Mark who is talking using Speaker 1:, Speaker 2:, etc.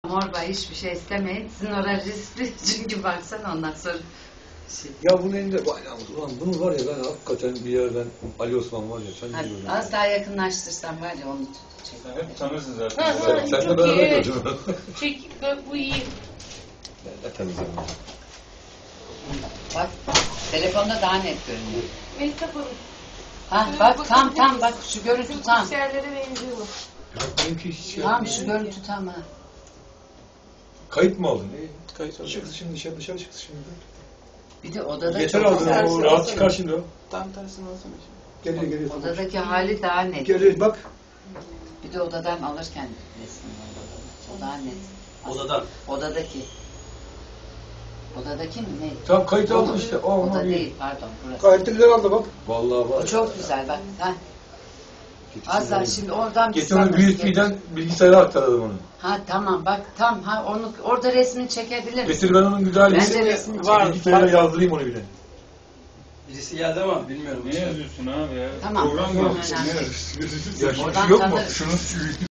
Speaker 1: Morba hiçbir şey istemeyin. Sizin orası riskli çünkü baksana ondan sonra.
Speaker 2: Ya bunun elinde, ulan bunu var ya ben hakikaten bir yerden Ali Osman var ya sen ne diyorsun?
Speaker 1: Az daha yakınlaştırsan var ya onu çek.
Speaker 3: Sen hep tanırsın zaten.
Speaker 2: Sen de
Speaker 4: çok
Speaker 2: beraber
Speaker 4: iyi.
Speaker 2: gördün.
Speaker 4: Çek, bu iyi.
Speaker 2: Ben de temizlerim.
Speaker 1: Bak telefonda daha net görünüyor.
Speaker 4: Mehtap Hanım.
Speaker 1: Ha bak tam bak şu görüntü tam.
Speaker 4: Bilgisayarlara benziyor bu.
Speaker 2: Benimki hiç şey
Speaker 1: Tam şu görüntü tam ha.
Speaker 2: Kayıt mı aldın?
Speaker 5: Kayıt aldım.
Speaker 2: Çıktı şimdi dışarı çıktı şimdi.
Speaker 1: Bir de odada
Speaker 2: Yeter
Speaker 1: çok
Speaker 2: aldın
Speaker 1: güzel.
Speaker 2: o rahat çıkar şimdi o.
Speaker 5: Tam tersini alsana şimdi.
Speaker 2: Geliyor.
Speaker 1: Odadaki hali daha net.
Speaker 2: Geliyor bak.
Speaker 1: Bir de odadan alırken resmi var odada. O daha net.
Speaker 6: Odadan.
Speaker 1: Odadaki. Odadaki mi ne?
Speaker 2: Tamam kayıt aldın işte.
Speaker 1: Oda değil pardon burası.
Speaker 2: Kayıtlılar aldı bak. Vallahi var.
Speaker 1: O çok güzel bak. Ha. Az daha şimdi oradan bir
Speaker 2: Getir onu
Speaker 1: sanırız,
Speaker 2: USB'den bilgisayara aktaralım onu.
Speaker 1: Ha tamam bak tam ha onu orada resmini çekebilir misin?
Speaker 2: Getir ben onun güzel
Speaker 1: Bence resmini çek.
Speaker 5: Var.
Speaker 2: bilgisayara yazdırayım onu bir de.
Speaker 6: Birisi geldi ama bilmiyorum.
Speaker 3: Ne yazıyorsun abi ya?
Speaker 1: Tamam.
Speaker 3: Program
Speaker 1: Tamam,
Speaker 3: mı?
Speaker 1: önemli.
Speaker 2: Ya
Speaker 1: Oradan
Speaker 2: şu yok mu?
Speaker 1: tanırız.
Speaker 2: Şunun